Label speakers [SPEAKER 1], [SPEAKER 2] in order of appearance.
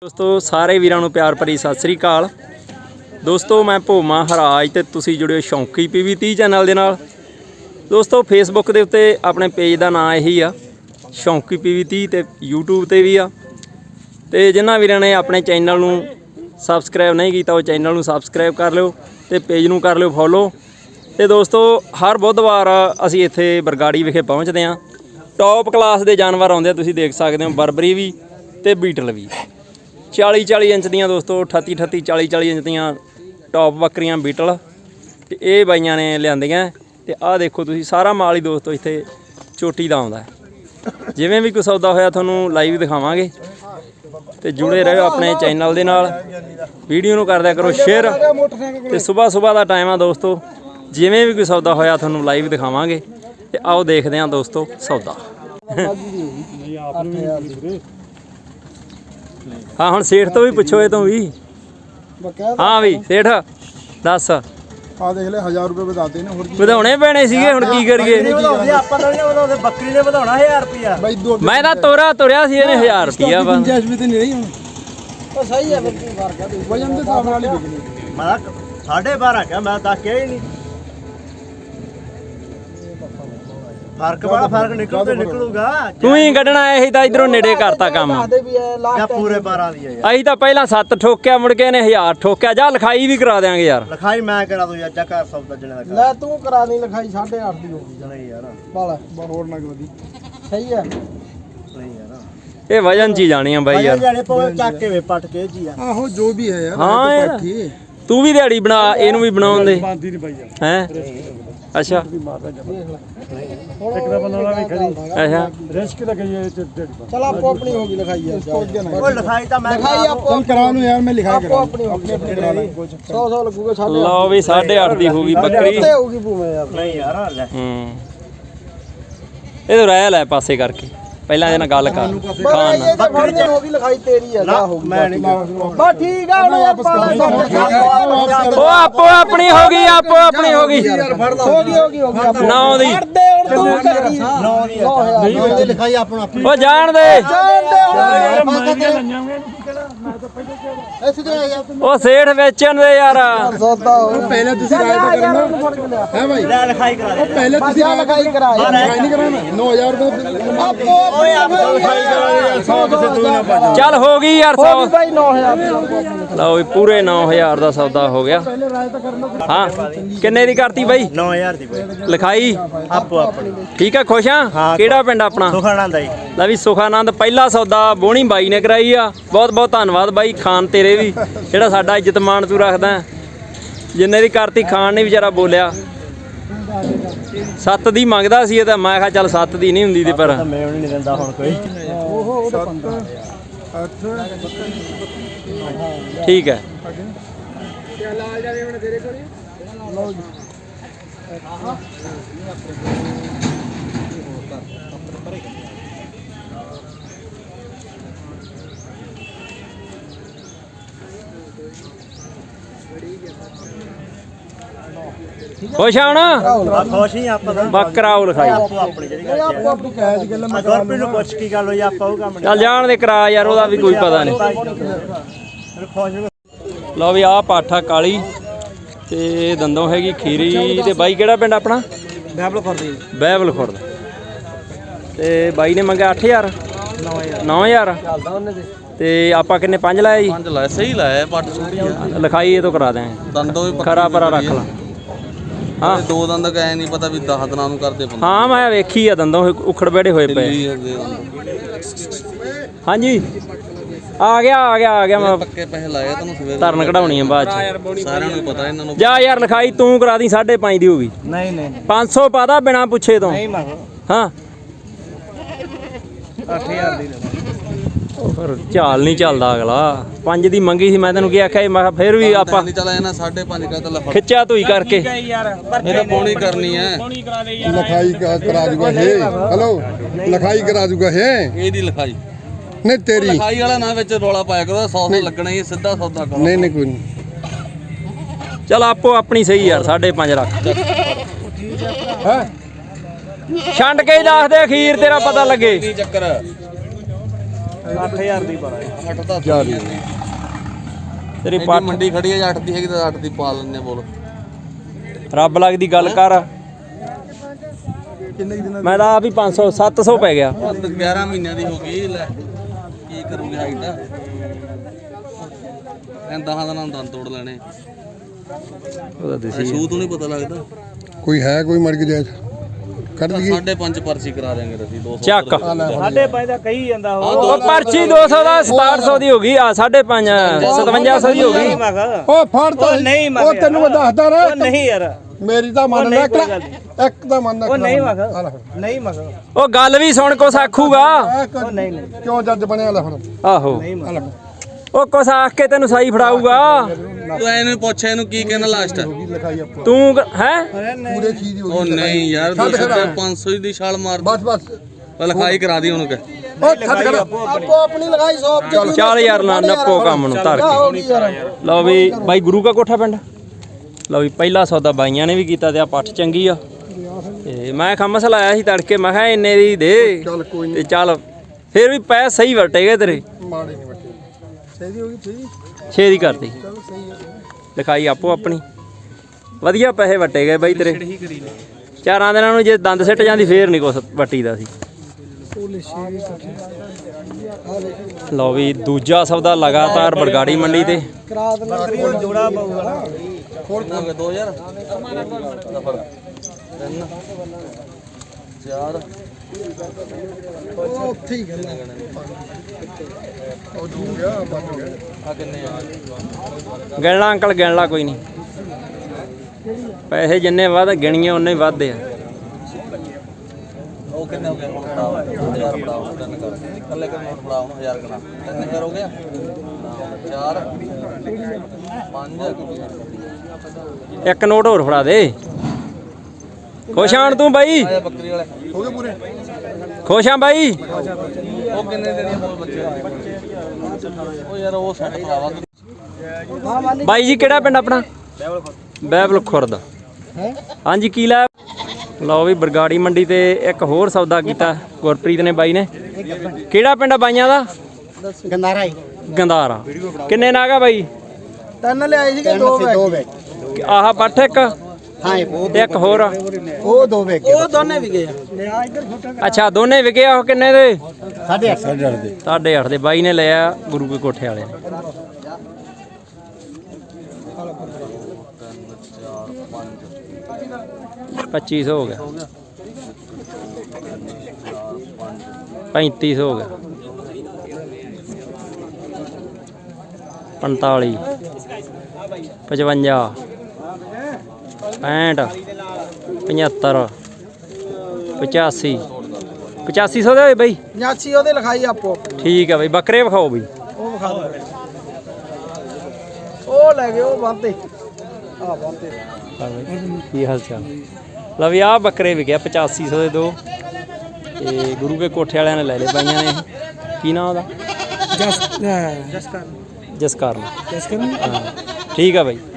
[SPEAKER 1] दोस्तों सारे वीरां नूं प्यार भरी सत श्री अकाल। दोस्तों मैं भोमा हराज ते तुसीं जुड़े हो शौंकी PV30 चैनल दे नाल। दोस्तों फेसबुक दे उत्ते अपने पेज का नाम यही आ शौंकी PV30 ते यूट्यूब ते भी आ ते जिन्हां वीरां ने अपने चैनल नूं सबसक्राइब नहीं किया वो चैनल नूं सबसक्राइब कर लिओ ते पेज नूं कर लिओ फॉलो। ते दोस्तों हर बुधवार असीं इत्थे बरगाड़ी विखे पहुँचते हैं। टॉप क्लास के जानवर आउंदे तुसीं देख सकते हो, बरबरी भी ते बीटल भी 40-40 इंच दियां दोस्तों 38-38 40-40 इंच दियां टॉप बकरियां बीटल ते ये बाइयां ने लियांदियां ते आ देखो तुसीं सारा माल ही दोस्तों इत्थे चोटी दा आउंदा है। जिवें भी कोई सौदा होया तुहानूं लाइव दिखावांगे ते जुड़े रहो अपने चैनल दे नाल। वीडियो नूं कर दिया करो शेयर ते सुबह दा टाइम आ दोस्तों। जिवें भी कोई सौदा होया तुहानूं लाइव दिखावांगे ते आओ देखदे हां दोस्तों सौदा। हाँ हुण सेठ तो भी पुछो तो भी। हाँ भी सेठ दस
[SPEAKER 2] ਆ ਦੇਖ ਲੈ 1000 ਰੁਪਏ ਵਧਾਤੇ ਨੇ ਹੋਰ ਕੀ
[SPEAKER 1] ਵਧਾਉਣੇ ਪੈਣੇ ਸੀਗੇ ਹੁਣ ਕੀ ਕਰੀਏ।
[SPEAKER 3] ਆਪਾਂ ਤਾਂ ਨਹੀਂ ਵਧਾਉਂਦੇ, ਬੱਕਰੀ ਨੇ ਵਧਾਉਣਾ 1000 ਰੁਪਿਆ।
[SPEAKER 2] ਬਾਈ ਦੋ
[SPEAKER 1] ਮੈਂ ਤਾਂ ਤੁਰਿਆ ਸੀ ਇਹਨੇ 1000 ਰੁਪਿਆ ਬਸ।
[SPEAKER 2] ਗੁੰਜਾਇਸ਼ ਵੀ ਤੇ ਨਹੀਂ ਰਹੀ ਹੁਣ।
[SPEAKER 3] ਉਹ ਸਹੀ ਹੈ ਬੱਕਰੀ ਫਰਕ ਹੈ
[SPEAKER 2] ਵਜਨ ਦੇ ਹਿਸਾਬ ਨਾਲ ਹੀ ਵਿਕਣੀ।
[SPEAKER 3] ਮੈਂ 12.5 ਕਿਹਾ, ਮੈਂ ਤਾਂ ਕਿਹਾ ਹੀ ਨਹੀਂ। ਫਰਕ ਬੜਾ ਫਰਕ ਨਿਕਲੂਗਾ।
[SPEAKER 1] ਤੂੰ ਹੀ ਕੱਢਣਾ ਇਹੀ ਤਾਂ ਇਧਰੋਂ ਨੇੜੇ ਕਰਤਾ ਕੰਮ।
[SPEAKER 3] ਜਾਂ ਪੂਰੇ 12 ਦੀ ਹੈ ਯਾਰ।
[SPEAKER 1] ਅਸੀਂ ਤਾਂ ਪਹਿਲਾਂ 7 ਠੋਕਿਆ ਮੁੜ ਕੇ ਇਹਨੇ 1000 ਠੋਕਿਆ। ਜਾ ਲਿਖਾਈ ਵੀ ਕਰਾ ਦਿਆਂਗੇ ਯਾਰ।
[SPEAKER 3] ਲਿਖਾਈ ਮੈਂ ਕਰਾ ਦੂੰ ਯਾਰ, ਚੱਕਰ ਸੌਦਾ ਜਣੇ ਦਾ
[SPEAKER 4] ਲੈ ਤੂੰ ਕਰਾ ਦੀ ਲਿਖਾਈ 8.5 ਦੀ ਹੋ ਗਈ
[SPEAKER 3] ਨਹੀਂ ਯਾਰ,
[SPEAKER 4] ਬਾਲਾ
[SPEAKER 2] ਹੋਰ ਨਾ ਵਧੀ
[SPEAKER 4] ਸਹੀ ਹੈ।
[SPEAKER 3] ਨਹੀਂ ਯਾਰ
[SPEAKER 1] ਇਹ ਵਜਨ ਚ ਹੀ ਜਾਣੀ ਆ ਬਾਈ ਯਾਰ।
[SPEAKER 3] ਜਾਣੇ ਪਵੇ ਚੱਕ ਕੇ ਵੇ ਪੱਟ ਕੇ ਜੀ ਆ।
[SPEAKER 2] ਆਹੋ ਜੋ ਵੀ ਹੈ ਯਾਰ।
[SPEAKER 1] ਹਾਂ ਯਾਰ ਤੂੰ ਵੀ ਦਿਹਾੜੀ ਬਣਾ ਇਹਨੂੰ ਵੀ ਬਣਾਉਣ ਦੇ
[SPEAKER 2] ਬਾਂਦੀ ਨਹੀਂ ਬਾਈ ਯਾਰ।
[SPEAKER 1] ਹੈ ਅੱਛਾ
[SPEAKER 2] ਇੱਕ ਦਾ ਬਣਾਉਣਾ ਵੀ ਖੜੀ
[SPEAKER 1] ਅੱਛਾ
[SPEAKER 2] ਰਿਸਕ ਤਾਂ ਗਈ ਹੈ
[SPEAKER 4] ਚਲ ਆਪੋ ਆਪਣੀ ਹੋ ਗਈ ਲਿਖਾਈ ਯਾਰ।
[SPEAKER 3] ਉਹ ਲਿਖਾਈ ਤਾਂ ਮੈਂ
[SPEAKER 4] ਲਿਖਾਈ ਆਪੋ
[SPEAKER 2] ਚੱਲ ਕਰਾ ਨੂੰ ਯਾਰ, ਮੈਂ ਲਿਖਾ
[SPEAKER 4] ਆਪੋ ਆਪਣੀ ਹੋ ਗਈ।
[SPEAKER 2] ਕਰਾ ਲਾਂ
[SPEAKER 4] 100 ਲੱਗੂਗਾ 8.5
[SPEAKER 1] ਲਓ ਵੀ 8.5 ਦੀ ਹੋ ਗਈ ਬੱਕਰੀ।
[SPEAKER 4] ਉੱਤੇ ਹੋਊਗੀ ਭੂਵੇਂ ਯਾਰ।
[SPEAKER 3] ਨਹੀਂ ਯਾਰ ਲੈ
[SPEAKER 1] ਇਹ ਤਾਂ ਰਹਿ ਲੈ ਪਾਸੇ ਕਰਕੇ ਪਹਿਲਾਂ ਇਹਦੇ ਨਾਲ ਗੱਲ ਕਰ ਖਾਨ
[SPEAKER 4] ਇਹ ਤਾਂ ਫੜਨੀ ਹੋ ਗਈ ਲਿਖਾਈ ਤੇਰੀ ਹੈ। ਜਾ ਹੋ ਗਈ
[SPEAKER 3] ਮੈਂ ਨਹੀਂ
[SPEAKER 4] ਬਸ ਠੀਕ ਆ ਹੁਣ
[SPEAKER 1] ਉਹ ਆਪੋ ਆਪਣੀ ਹੋ ਗਈ ਆਪੋ ਆਪਣੀ ਹੋ ਗਈ
[SPEAKER 4] ਹੋ ਗਈ
[SPEAKER 1] 9 ਦੀ
[SPEAKER 4] ਫੜਦੇ ਹੁਣ ਤੂੰ ਕਰੀ
[SPEAKER 3] 9 ਦੀ ਲਿਖਾਈ ਆਪਣਾ
[SPEAKER 1] ਉਹ ਜਾਣ ਦੇ ਉਹ ਸੇਠ ਵੇਚਣ ਦੇ ਯਾਰ।
[SPEAKER 4] ਸੌਦਾ ਹੋ
[SPEAKER 2] ਪਹਿਲੇ ਤੁਸੀਂ ਰਾਇ ਤਾਂ ਕਰਨਾ ਹੈ ਭਾਈ।
[SPEAKER 3] ਲੈ ਲਿਖਾਈ ਕਰਾ ਦੇ।
[SPEAKER 2] ਪਹਿਲੇ ਤੁਸੀਂ
[SPEAKER 4] ਲਿਖਾਈ ਕਰਾ
[SPEAKER 2] ਲਿਖਾਈ ਨਹੀਂ ਕਰਾਉਣਾ 9000 ਰੁਪਏ
[SPEAKER 4] ਆਪੋ
[SPEAKER 3] ਓਏ ਆਪ ਲਿਖਾਈ ਕਰਾ ਦੇ ਯਾਰ, 100 ਕਿਸੇ ਤੂੰ ਨਾ ਪਾ।
[SPEAKER 1] ਚੱਲ ਹੋ ਗਈ ਯਾਰ 100।
[SPEAKER 4] ਬਾਈ 9000
[SPEAKER 1] ਲਓ ਵੀ ਪੂਰੇ 9000 ਦਾ ਸੌਦਾ ਹੋ ਗਿਆ। ਹਾਂ ਕਿੰਨੇ ਦੀ ਕਰਤੀ ਬਾਈ
[SPEAKER 3] 9000 ਦੀ ਪਈ
[SPEAKER 1] ਲਿਖਾਈ
[SPEAKER 3] ਆਪੋ ਆਪਣੀ।
[SPEAKER 1] ਠੀਕ ਆ ਖੁਸ਼ ਆ। ਕਿਹੜਾ ਪਿੰਡ ਆਪਣਾ?
[SPEAKER 3] ਸੁਖਾਨੰਦ ਆਈ।
[SPEAKER 1] ਲੈ ਵੀ ਸੁਖਾਨੰਦ ਪਹਿਲਾ ਸੌਦਾ ਬੋਣੀ ਬਾਈ ਨੇ ਕਰਾਈ ਆ। ਬਹੁਤ ਬਹੁਤ ਧੰਨਵਾਦ ਬਾਈ ਖਾਨ ਤੇਰੇ ਵੀ ਜਿਹੜਾ ਸਾਡਾ ਇੱਜ਼ਤ ਮਾਣ ਤੂੰ ਰੱਖਦਾ। ਜਿੰਨੇ ਦੀ ਕਰਤੀ ਖਾਨ ਨੇ ਵਿਚਾਰਾ ਬੋਲਿਆ 7 ਦੀ ਮੰਗਦਾ ਸੀ ਇਹ ਤਾਂ। ਮੈਂ ਕਿਹਾ ਚੱਲ 7 ਦੀ ਨਹੀਂ ਹੁੰਦੀ ਤੇ ਪਰ
[SPEAKER 3] ਮੈਂ ਨਹੀਂ ਦਿੰਦਾ ਹੁਣ ਕੋਈ।
[SPEAKER 1] ਠੀਕ ਹੈ। ਖੁਸ਼ ਆ ਹੁਣ
[SPEAKER 3] ਆ ਖੁਸ਼ ਹੀ ਆਪਾਂ ਤਾਂ।
[SPEAKER 1] ਬੱਕਰਾਓ ਲਿਖਾਈ।
[SPEAKER 3] ਆਪੋ ਆਪਣੀ ਜਿਹੜੀ
[SPEAKER 4] ਆਪੋ ਆਪਣੀ
[SPEAKER 2] ਕੈਦ ਗੱਲ ਮੈਂ
[SPEAKER 3] ਗੁਰਪ੍ਰੀਤ ਨੂੰ ਪੁੱਛ ਕੀ ਗੱਲ ਹੋਈ, ਆਪਾਂ ਉਹ ਕੰਮ ਨਹੀਂ।
[SPEAKER 1] ਚੱਲ ਜਾਣ ਦੇ ਕਰਾ ਯਾਰ, ਉਹਦਾ ਵੀ ਕੋਈ ਪਤਾ ਨਹੀਂ।
[SPEAKER 3] ਖੁਸ਼
[SPEAKER 1] ਲਓ ਵੀ ਆਹ ਪਾਠਾ ਕਾਲੀ ਤੇ ਦੰਦੋਂ ਹੈਗੀ ਖੀਰੀ। ਤੇ ਬਾਈ ਕਿਹੜਾ ਪਿੰਡ ਆਪਣਾ? ਬਹਿਬਲ ਖੁਰਦ। ਤੇ ਬਾਈ ਨੇ ਮੰਗਿਆ 8000 9000 ਤੇ ਆਪਾਂ ਕਿੰਨੇ 5 ਲਾਇਆ ਜੀ?
[SPEAKER 5] 5 ਲਾਇਆ, ਸਹੀ ਲਾਇਆ। ਪੱਟ ਛੋਟੀ ਆ,
[SPEAKER 1] ਲਿਖਾਈ ਇਹ ਤੋਂ ਕਰਾ ਦਿਆਂਗੇ।
[SPEAKER 5] ਦੰਦੋਂ ਵੀ
[SPEAKER 1] ਖਰਾ ਪਰਾ ਰੱਖ ਲਾ। ਹਾਂ
[SPEAKER 5] ਦੋ ਦੰਦ ਕਹੇ ਨਹੀਂ ਪਤਾ ਵੀ 10 ਦਿਨਾਂ ਨੂੰ ਕਰਦੇ ਬੰਦੇ।
[SPEAKER 1] ਹਾਂ ਮੈਂ ਵੇਖੀ ਆ ਦੰਦੋਂ ਉਖੜ ਬੈੜੇ ਹੋਏ ਪਏ। ਹਾਂਜੀ ਆ ਗਿਆ ਮੈਂ
[SPEAKER 5] ਪੱਕੇ ਪੈਸੇ ਲਾਏ ਤੁਹਾਨੂੰ ਸਵੇਰੇ।
[SPEAKER 1] ਧਰਨ ਕਢਾਉਣੀ ਆ ਬਾਅਦ ਚ।
[SPEAKER 5] ਸਾਰਿਆਂ ਨੂੰ ਪਤਾ ਇਹਨਾਂ ਨੂੰ।
[SPEAKER 1] ਜਾ ਯਾਰ ਲਿਖਾਈ ਤੂੰ ਕਰਾ ਦੀ 5.5 ਦੀ ਹੋ ਗਈ।
[SPEAKER 3] ਨਹੀਂ
[SPEAKER 1] 500 ਪਾਦਾ ਬਿਨਾ ਪੁੱਛੇ ਤੋਂ।
[SPEAKER 3] ਨਹੀਂ ਮੰਗ
[SPEAKER 1] ਹਾਂ
[SPEAKER 3] 8000 ਦੀ ਲੈ।
[SPEAKER 1] ਉਹ ਫਿਰ ਝਾਲ ਨਹੀਂ ਚੱਲਦਾ ਅਗਲਾ। 5 ਦੀ ਮੰਗੀ ਸੀ ਮੈਂ ਤੈਨੂੰ ਕੀ ਆਖਿਆ। ਮੈਂ ਕਿਹਾ ਫਿਰ ਵੀ ਆਪਾਂ
[SPEAKER 5] ਨਹੀਂ ਚਲਾ ਇਹਨਾਂ 5.5 ਕਹਤਾ ਲਫੜ
[SPEAKER 1] ਖਿੱਚਿਆ ਧੂਈ ਕਰਕੇ।
[SPEAKER 5] ਇਹ ਤਾਂ ਪੌਣੀ ਕਰਨੀ ਹੈ।
[SPEAKER 2] ਲਿਖਾਈ ਕਰਾ ਦੂਗਾ ਇਹ। ਹੈਲੋ ਲਿਖਾਈ ਕਰਾ ਦੂਗਾ ਇਹ।
[SPEAKER 5] ਇਹਦੀ ਲਿਖਾਈ
[SPEAKER 2] ਨਹੀਂ ਤੇਰੀ
[SPEAKER 5] ਲਿਖਾਈ ਵਾਲਾ ਨਾ ਵਿੱਚ ਰੋਲਾ ਪਾਇਆ ਕਰੋ। 100 ਲੱਗਣਾ ਹੀ ਸਿੱਧਾ ਸੌਦਾ ਕਰੋ।
[SPEAKER 2] ਨਹੀਂ ਕੋਈ ਨਹੀਂ।
[SPEAKER 1] चल आपो अपनी सही यार 5.5 रख
[SPEAKER 2] है
[SPEAKER 1] छंड के ही दस दे अखीर तेरा पता लगे।
[SPEAKER 5] चक्कर
[SPEAKER 3] 8000 ਦੀ ਪਾਲਾ
[SPEAKER 5] 8 ਤਾਂ
[SPEAKER 2] ਜਾਰੀ
[SPEAKER 1] ਤੇਰੀ
[SPEAKER 5] ਪੱਟ
[SPEAKER 1] ਪੱਟ
[SPEAKER 5] ਮੰਡੀ ਖੜੀ ਹੈ 8 ਦੀ ਹੈਗੀ ਤਾਂ 8 ਦੀ ਪਾ ਲੈਣੇ ਬੋਲ
[SPEAKER 1] ਰੱਬ ਲੱਗਦੀ ਗੱਲ ਕਰ। ਮੈਂ ਤਾਂ ਆਪ ਹੀ 500 700 ਪੈ ਗਿਆ।
[SPEAKER 5] 11 ਮਹੀਨਿਆਂ ਦੀ ਹੋ ਗਈ ਲੈ ਕੀ ਕਰੂਗੀ ਹਾਈਟ ਐਂ 10 ਦਿਨਾਂ ਨੂੰ ਦੰਦ ਤੋੜ ਲੈਣੇ
[SPEAKER 1] ਉਹਦਾ ਦੇਸੀ
[SPEAKER 5] ਸ਼ੂ ਤੋਂ ਨਹੀਂ ਪਤਾ ਲੱਗਦਾ
[SPEAKER 2] ਕੋਈ ਹੈ ਕੋਈ ਮਰ ਗਿਆ ਕੱਢ ਦਈਏ
[SPEAKER 5] 5.5 ਪਰਚੀ ਕਰਾ ਦੇਾਂਗੇ ਅਸੀਂ 200
[SPEAKER 1] ਚੱਕ
[SPEAKER 3] ਸਾਡੇ ਪੈਸੇ ਦਾ ਕਹੀ ਜਾਂਦਾ ਉਹ
[SPEAKER 1] ਉਹ ਪਰਚੀ 200 ਦਾ 6700 ਦੀ ਹੋ ਗਈ ਆ 5.5 5700 ਦੀ ਹੋ ਗਈ।
[SPEAKER 3] ਮੈਂ ਕਿਹਾ
[SPEAKER 2] ਉਹ ਫੜ ਤਾਂ
[SPEAKER 3] ਉਹ ਨਹੀਂ ਮੈਂ
[SPEAKER 2] ਉਹ ਤੈਨੂੰ ਮੈਂ ਦੱਸਦਾ
[SPEAKER 3] ਉਹ
[SPEAKER 2] ਰਿਹਾ
[SPEAKER 3] ਨਹੀਂ ਯਾਰ
[SPEAKER 2] ਮੇਰੀ ਤਾਂ ਮੰਨ ਲੈ
[SPEAKER 3] ਉਹ ਨਹੀਂ, ਕੋਈ
[SPEAKER 2] ਇੱਕ ਦਾ ਮੰਨ
[SPEAKER 3] ਉਹ ਨਹੀਂ ਮੈਂ ਕਿਹਾ ਨਹੀਂ ਮੈਂ ਕਿਹਾ
[SPEAKER 1] ਉਹ ਗੱਲ ਵੀ ਸੁਣ ਕੁਛ ਆਖੂਗਾ।
[SPEAKER 3] ਉਹ ਨਹੀਂ ਨਹੀਂ
[SPEAKER 2] ਕਿਉਂ ਜੱਜ ਬਣਿਆ ਲੈ ਹੁਣ
[SPEAKER 1] ਆਹੋ
[SPEAKER 3] ਨਹੀਂ ਮੈਂ ਕਿਹਾ।
[SPEAKER 1] ਉਹ ਕੁਛ ਆਖ ਕੇ ਤੈਨੂੰ ਸਹੀ ਫੜਾਊਗਾ।
[SPEAKER 5] ਤੂੰ ਇਹਨੂੰ ਪੁੱਛ ਇਹਨੂੰ ਕੀ ਕਹਿਣਾ ਲਾਸਟ
[SPEAKER 2] ਲਿਖਾਈ ਆਪਾਂ
[SPEAKER 1] ਤੂੰ ਹੈ
[SPEAKER 2] ਪੂਰੇ ਚੀਜ਼ ਦੀ ਹੋ
[SPEAKER 5] ਉਹ
[SPEAKER 2] ਗਈ
[SPEAKER 5] ਨਹੀਂ ਯਾਰ
[SPEAKER 2] ਛੱਡ ਖੜਾ।
[SPEAKER 5] 500 ਦੀ ਛਾਲ ਮਾਰ
[SPEAKER 2] ਬਸ ਬਸ
[SPEAKER 5] ਲਿਖਾਈ ਕਰਾ ਦੀ ਉਹਨੂੰ ਕਹਿ
[SPEAKER 2] ਉਹ ਛੱਡ ਕਰ
[SPEAKER 4] ਆਪੋ ਆਪਣੀ ਲਗਾਈ ਸੌਪ ਚ
[SPEAKER 1] ਚੱਲ ਯਾਰ ਨਾ ਨੱਪੋ ਕੰਮ ਨੂੰ ਧਰ
[SPEAKER 4] ਹੋ
[SPEAKER 1] ਕੇ।
[SPEAKER 4] ਗਈ ਯਾਰ
[SPEAKER 1] ਲਓ ਵੀ ਬਾਈ ਗੁਰੂ ਕਾ ਕੋਠਾ ਪਿੰਡ। ਲਓ ਵੀ ਪਹਿਲਾ ਸੌਦਾ ਬਾਈਆਂ ਨੇ ਵੀ ਕੀਤਾ ਤੇ ਆ ਪੱਠ ਚੰਗੀ ਆ ਤੇ ਮੈਂ ਖਮਸ ਲਾਇਆ ਸੀ ਤੜਕੇ ਮੈਂ ਕਿਹਾ ਇੰਨੇ ਦੀ ਦੇ
[SPEAKER 2] ਚੱਲ ਕੋਈ
[SPEAKER 1] ਤੇ
[SPEAKER 2] ਨਹੀਂ
[SPEAKER 1] ਚੱਲ ਫਿਰ ਵੀ ਪੈ ਸਹੀ ਵਟੇਗੇ ਤੇਰੇ
[SPEAKER 2] ਮਾੜੇ ਨਹੀਂ ਬੱਟੇ
[SPEAKER 4] ਸਹੀ ਹੋ ਗਈ ਸਹੀ
[SPEAKER 1] 6 ਦੀ ਕਰਤੀ ਲਿਖਾਈ ਆਪੋ ਆਪਣੀ ਵਧੀਆ ਪੈਸੇ ਵਟੇ ਗਏ ਬਾਈ ਤੇਰੇ। ਚਾਰਾਂ ਦਿਨਾਂ ਨੂੰ ਜੇ ਦੰਦ ਸਿੱਟ ਜਾਂਦੀ ਫੇਰ ਨਹੀਂ ਕੁਛ ਵੱਟੀਦਾ ਸੀ। ਲਓ ਵੀ ਦੂਜਾ ਸੌਦਾ ਲਗਾਤਾਰ ਬਰਗਾੜੀ ਮੰਡੀ ਤੇ
[SPEAKER 4] ਕਰਾ ਦੇ
[SPEAKER 3] ਜੋੜਾ ਪਊਗਾ ਨਾ
[SPEAKER 5] ਕਿੰਨਾ ਹੋ ਗਿਆ 2000 3 4
[SPEAKER 4] ਉਹ ਉੱਥੇ ਹੀ ਗੱਲ
[SPEAKER 2] ਉਹ ਜੂ ਗਿਆ ਬਚ ਗਿਆ
[SPEAKER 5] ਆ ਕਿੰਨੇ ਆ
[SPEAKER 1] ਗਿਣਲਾ ਅੰਕਲ ਗਿਣ ਲਾ ਕੋਈ ਨਹੀਂ ਪੈਸੇ ਜਿੰਨੇ ਵੱਧ ਗਿਣੀਏ ਉਨੇ ਹੀ ਵੱਧਦੇ ਆ।
[SPEAKER 5] ਉਹ ਕਿੰਨੇ ਹੋ ਗਏ ਹੁਣ ਫੜਾਓ 1000 ਫੜਾਓ ਤਿੰਨ ਕਰ ਇਕੱਲੇ ਕਰ ਨੋਟ ਫੜਾਓ 1000 ਗਣਾ 3000 ਹੋ ਗਿਆ 4 5
[SPEAKER 1] ਇੱਕ ਨੋਟ ਹੋਰ ਫੜਾ ਦੇ। ਖੁਸ਼ ਆਣ ਤੂੰ ਬਾਈ
[SPEAKER 5] ਆਇਆ ਬੱਕਰੀ ਵਾਲੇ
[SPEAKER 2] ਹੋ ਗਏ ਪੂਰੇ
[SPEAKER 1] ਖੁਸ਼ ਆ ਬਾਈ।
[SPEAKER 5] ਉਹ ਕਿੰਨੇ ਦੇਣੀ ਬੋਲ ਬੱਚੇ ਉਹ ਯਾਰ ਉਹ ਸੈੱਟ ਕਰਾਵਾ
[SPEAKER 1] ਬਾਈ ਜੀ ਕਿਹੜਾ ਪਿੰਡ ਆਪਣਾ? ਬਹਿਬਲ ਖੁਰਦ। ਹਾਂਜੀ ਕੀ ਲੈ? ਲਓ ਵੀ ਬਰਗਾੜੀ ਮੰਡੀ ਤੇ ਇੱਕ ਹੋਰ ਸੌਦਾ ਕੀਤਾ ਗੁਰਪ੍ਰੀਤ ਨੇ ਬਾਈ ਨੇ। ਕਿਹੜਾ ਪਿੰਡ ਆ ਬਾਈਆਂ ਦਾ?
[SPEAKER 4] ਗੰਦਾਰਾ ਹੀ
[SPEAKER 1] ਗੰਦਾਰਾ। ਕਿੰਨੇ ਨਾਗਾ ਬਾਈ?
[SPEAKER 4] ਤਿੰਨ ਲਿਆਏ ਸੀਗੇ ਦੋ ਵੇ
[SPEAKER 1] ਆਹ ਪੱਠ ਇੱਕ
[SPEAKER 4] ਹਾਂ
[SPEAKER 1] ਤੇ ਇੱਕ ਹੋਰ
[SPEAKER 4] ਉਹ ਦੋ ਵੇ ਉਹ ਦੋਨੇ ਵੀ ਗਏ ਲਿਆ ਇੱਧਰ ਛੋਟਾ
[SPEAKER 1] ਅੱਛਾ ਦੋਨੇ ਵਿਕੇ ਆ। ਉਹ ਕਿੰਨੇ ਦੇ?
[SPEAKER 4] 8.5
[SPEAKER 2] ਦੇ
[SPEAKER 1] 8.5 ਦੇ ਬਾਈ ਨੇ ਲਿਆ ਗੁਰੂ ਕੇ ਕੋਠੇ ਵਾਲੇ ਨੇ। 2500 ਹੋ ਗਿਆ 3500 ਹੋ ਗਿਆ 45 55 65 75 85 8500 ਦੇ ਹੋਏ ਬਈ।
[SPEAKER 4] 89 ਉਹਦੇ ਲਿਖਾਈ ਆਪੋ
[SPEAKER 1] ਠੀਕ ਆ ਬਈ ਬੱਕਰੇ ਵਿਖਾਓ ਬਈ।
[SPEAKER 4] ਉਹ ਵਿਖਾ ਦੇ ਉਹ ਲੈ ਗਏ ਉਹ ਬੰਦੇ ਆ ਬੰਦੇ
[SPEAKER 1] ਕੀ ਹਾਲ ਚਾਲ? ਲਓ ਵੀ ਆਹ ਬੱਕਰੇ ਵਿਕਿਆ 8500 ਦੇ ਦੋ ਤੇ ਗੁਰੂ ਕੇ ਕੋਠੇ ਵਾਲਿਆਂ ਨੇ ਲੈ ਲਏ ਬਾਈਆਂ ਨੇ। ਕੀ ਨਾਮ ਉਹਦਾ? ਜਸਕਰਨ। ਹਾਂ ਠੀਕ ਆ ਬਾਈ।